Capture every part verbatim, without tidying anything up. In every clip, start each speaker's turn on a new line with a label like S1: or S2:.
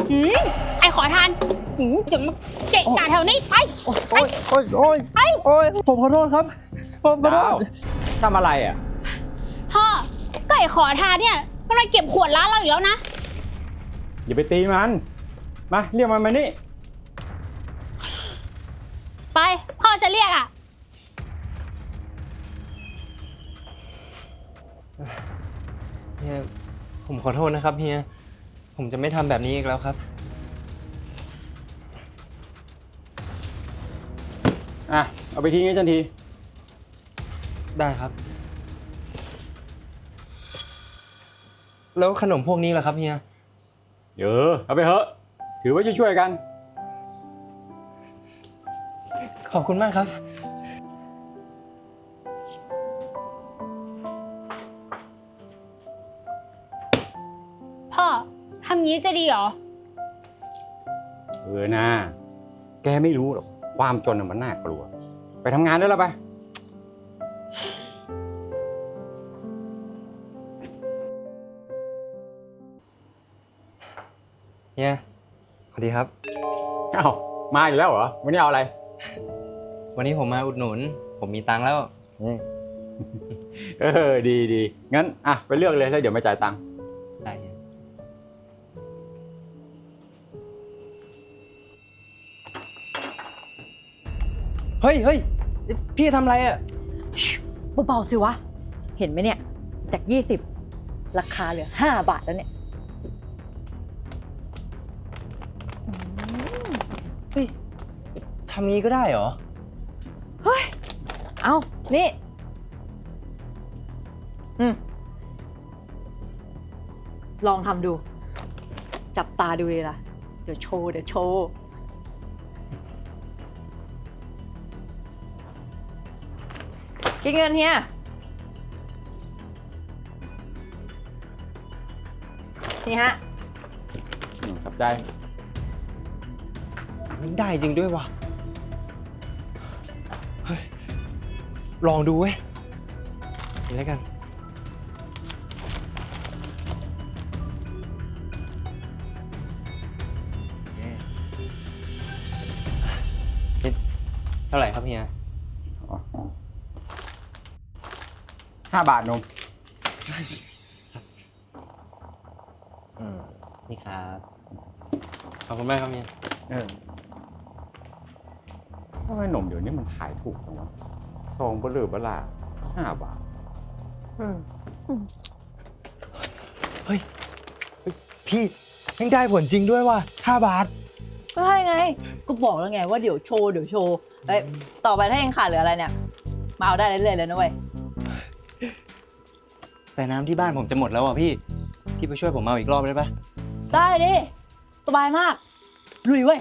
S1: หืมไอขอทานหืมจะมาเกะกะแถวนี้ไป
S2: โอ้ยโอ้ยโอ้ยโอ้ยผมขอโทษครับผมขอโทษ
S3: ทำอะไรอ่ะ
S1: พ่อก็ไอขอทานเนี่ยมันมาเก็บขวดร้านเราอีกแล้วนะ
S3: อย่าไปตีมัน มาเรียกมันมานี่
S1: ไปพ่อจะเรียกอ่ะ
S2: เฮียผมขอโทษนะครับเฮียผมจะไม่ทำแบบนี้อีกแล้วครับ
S3: อ่ะ เอาไปทิ้งให้ทันที
S2: ได้ครับ แล้วขนมพวกนี้ล่ะครับเฮีย
S3: เออเอาไปเถอะ ถือว่าช่วยๆกัน
S2: ขอบคุณมากครับ
S1: พ่อทำงี้จะดีเหรอ
S3: เออนะแกไม่รู้หรอก ความจนน่ะมันน่ากลัว ไปทำงานได้แล้วไป
S2: เฮียสวัสดีครับ
S3: เอ้า มาอีกแล้วเหรอ วันนี้เอาอะไร
S2: วันนี้ผมมาอุดหนุน ผมมีตังค์แล้วนี่
S3: เออ ดีดี งั้น อ่ะ ไปเลือกเลยแล้วเดี๋ยวมาจ่ายตังค์
S2: ได้เฮียเฮ้ยเฮ้ยพี่ทำอะไรอ่ะ
S4: เบาๆสิวะ เห็นไหมเนี่ย จากยี่สิบราคาเหลือห้าบาทแล้วเนี่ย
S2: เฮ้ยทำงี้ก็ได้เหรอ
S4: เฮ้ย เอานี่ อืม ลองทำดู จับตาดูเลยล่ะ เดี๋ยวโชว์ เดี๋ยวโชว์ คิดเงินเฮีย นี่ฮะ
S3: อืมขอบใจ
S2: ได้จริงด้วยว่ะ เฮ้ย ลองดูเว้ยนี่แล้วกัน นี่เท่าไหร่ครับเฮีย
S3: ห้าบาทนม
S2: อืม นี่ครับ ขอบคุณมากครับเฮีย
S3: เออทำไมหนมเดี๋ยวนี้มันขายถูกจังวะซองเบลอเบล่าห้าบาท
S2: เฮ้ยเฮ้ย พี่ยังได้ผลจริงด้วยว่ะห้าบาท
S4: ก็ใช่ไง ก็บอกแล้วไงว่าเดี๋ยวโชว์ เดี๋ยวโชว์ เฮ้ย ต่อไปถ้ายังขาดเหลืออะไรเนี่ย มาเอาได้เรื่อยๆเลยนะเว้ย
S2: แต่น้ำที่บ้านผมจะหมดแล้วอ่ะพี่ พี่ไปช่วยผมเอาอีกรอบได้ปะ
S4: ได้ดิ สบายมาก ลุยเว้ย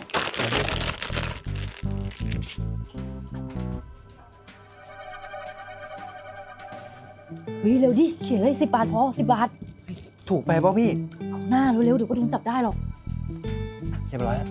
S4: เฮ้ย เร็วดิ เขียนเลยสิบบาทพอสิบบาท
S2: ถูกไปป่ะพี่
S4: เอาหน้าเร็วๆเดี๋ยวก็โดนจับได้หรอก
S2: เรียบร้อย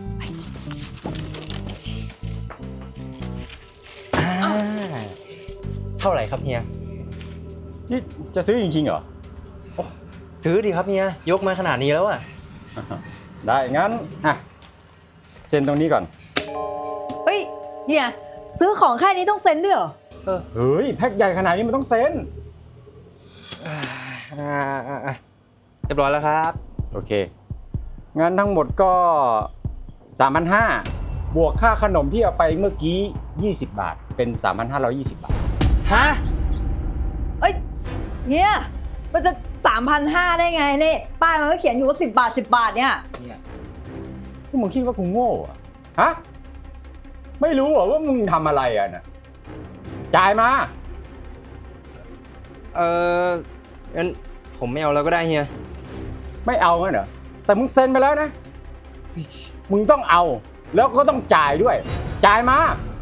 S2: อ่าเท่าไหร่ครับเฮีย
S3: นี่จะซื้อจริงๆเหรอ
S2: ซื้อดิครับเฮีย ยกมาขนาดนี้แล้วอ่ะ
S3: ได้ งั้น อ่ะ เซ็นตรงนี้ก่อน
S4: เฮ้ย เนี่ย ซื้อของแค่นี้ต้องเซ็นด้วยเหรอ
S3: เฮ้ย แพ็คใหญ่ขนาดนี้มันต้องเซ็น
S2: อ่าอ่าอ่าเรียบร้อยแล้วครับ
S3: โอเค งั้นทั้งหมดก็สามพันห้าบวกค่าขนมที่เอาไปเมื่อกี้ยี่สิบบาท เป็นสามพันห้าร้อยยี่สิบบาท
S2: ฮะ
S4: เอ้ยเนี่ยมันจะสามพันห้าได้ไงนี่ป้ายมันก็เขียนอยู่ว่าสิบบาทสิบบาทเนี่ย
S3: พวกมึงคิดว่ากูโง่เหรอะฮะ ไม่รู้เหรอว่ามึงทำอะไรอ่ะน่ะ จ่ายมา
S2: เอองั้นผมไม่เอาแล้วก็ได้เฮีย
S3: ไม่เอางั้นเหรอ แต่มึงเซ็นไปแล้วนะ มึงต้องเอา แล้วก็ต้องจ่ายด้วย จ่ายมา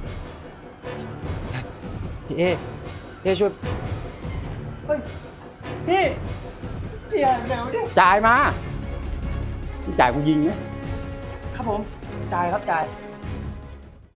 S2: พี่เอเอช่วย เฮ้ย พี่ พี่อย่าแมวดิ
S3: จ่ายมาจ่ายกูยิงนะ
S2: ครับผม จ่ายครับจ่าย